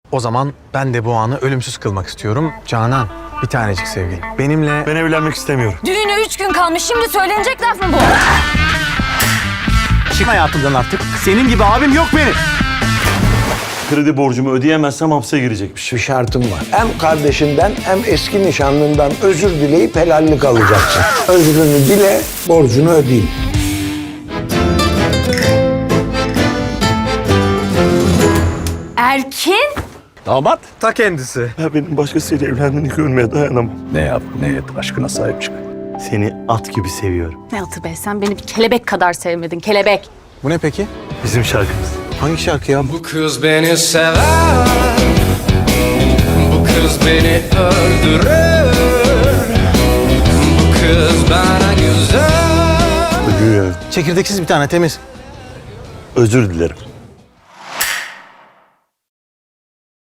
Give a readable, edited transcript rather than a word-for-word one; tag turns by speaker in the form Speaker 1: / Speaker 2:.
Speaker 1: O zaman ben de bu anı ölümsüz kılmak istiyorum. Canan, bir tanecik sevgilim. Benimle...
Speaker 2: Ben evlenmek istemiyorum.
Speaker 3: Düğüne 3 gün kalmış. Şimdi söylenecek laf mı bu?
Speaker 1: Çık hayatımdan artık. Senin gibi abim yok benim.
Speaker 2: Kredi borcumu ödeyemezsem hapse girecekmiş.
Speaker 4: Bir şartım var. Hem kardeşinden hem eski nişanlından özür dileyip helallik alacaksın. Özrünü dile, borcunu ödeyin.
Speaker 3: Erkin?
Speaker 5: Damat.
Speaker 1: Ta kendisi.
Speaker 2: Ya benim başkasıyla evlendiğini görmeye dayanamam.
Speaker 5: Ne yap ne et aşkına sahip çık.
Speaker 2: Seni at gibi seviyorum.
Speaker 3: Ne atı be, sen beni bir kelebek kadar sevmedin, kelebek.
Speaker 1: Bu ne peki?
Speaker 2: Bizim şarkımız.
Speaker 1: Hangi şarkı ya?
Speaker 6: Bu kız beni sever, bu kız beni öldürür, bu kız bana güzel.
Speaker 2: Bugün
Speaker 1: Çekirdeksiz bir tane temiz.
Speaker 2: özür dilerim.